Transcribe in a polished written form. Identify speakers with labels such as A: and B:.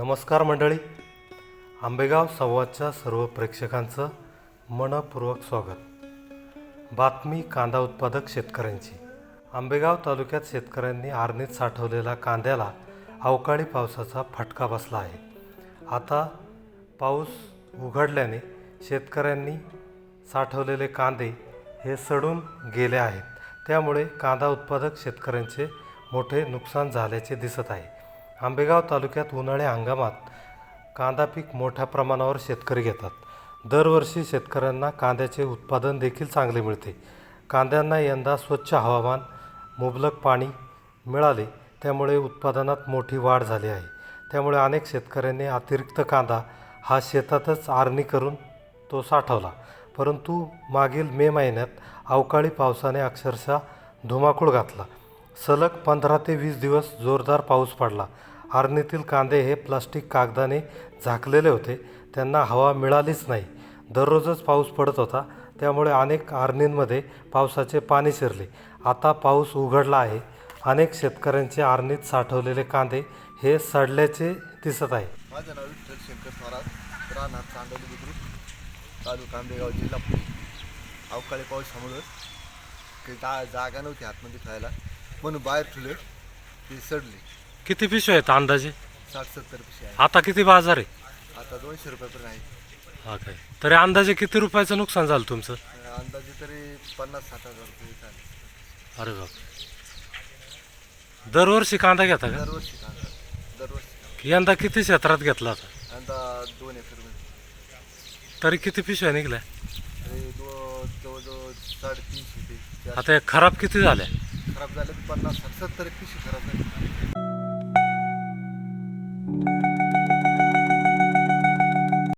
A: नमस्कार मंडळी, आंबेगाव संवादच्या सर्व प्रेक्षकांचं मनपूर्वक स्वागत. बातमी कांदा उत्पादक शेतकऱ्यांची. आंबेगाव तालुक्यात शेतकऱ्यांनी आरणीत साठवलेल्या कांद्याला अवकाळी पावसाचा फटका बसला आहे. आता पाऊस उघडल्याने शेतकऱ्यांनी साठवलेले कांदे हे सडून गेले आहेत. त्यामुळे कांदा उत्पादक शेतकऱ्यांचे मोठे नुकसान झाल्याचे दिसत आहे. आंबेगाव तालुक्यात उन्हाळी हंगामात कांदा पीक मोठ्या प्रमाणावर शेतकरी घेतात. दरवर्षी शेतकऱ्यांना कांद्याचे उत्पादन देखील चांगले मिळते. कांद्यांना यंदा स्वच्छ हवामान, मुबलक पाणी मिळाले, त्यामुळे उत्पादनात मोठी वाढ झाली आहे. त्यामुळे अनेक शेतकऱ्यांनी अतिरिक्त कांदा हा शेतातच आरणी करून तो साठवला. परंतु मागील मे महिन्यात अवकाळी पावसाने अक्षरशः धुमाकूळ घातला. सलग 15 ते 20 दिवस जोरदार पाऊस पडला. आरणीतील कांदे हे प्लास्टिक कागदाने झाकलेले होते, त्यांना हवा मिळालीच नाही. दररोजच पाऊस पडत होता, त्यामुळे अनेक आरणींमध्ये पावसाचे पाणी शिरले. आता पाऊस उघडला आहे. अनेक शेतकऱ्यांचे आरणीत साठवलेले कांदे हे सडल्याचे दिसत आहे.
B: माझं नाव विठ्ठल शंकर स्वराज, राहणार चांदोली बुद्रुक, तालुका आंबेगाव, जिल्हा पुणे. अवकाळी पावसामुळं काही जागा नव्हती आतमध्ये खायला, म्हणून बाहेर ठेवले, ते सडले.
A: किती पिशव्या आहेत अंदाजे?
B: 60-70 पिशे आहे.
A: आता किती बाजार आहे?
B: आता 200 रुपयापर्यंत आहे.
A: हा काय, तरी अंदाजे किती रुपयाचं नुकसान झालं तुमचं?
B: अंदाजे तरी 50-60 हजार रुपये झाले.
A: अरे बाप, दरवर्षी कांदा घेता का?
B: दरवर्षी कांदा, दरवर्षी.
A: यंदा किती क्षेत्रात घेतला होता?
B: यंदा 2 एकरमध्ये.
A: तरी किती पिशव्या निघल्या?
B: तरी जवळजवळ 350 ते 400.
A: आता खराब किती झाल्या?
B: खराब झाले 50-70 पिशे खराब झाले.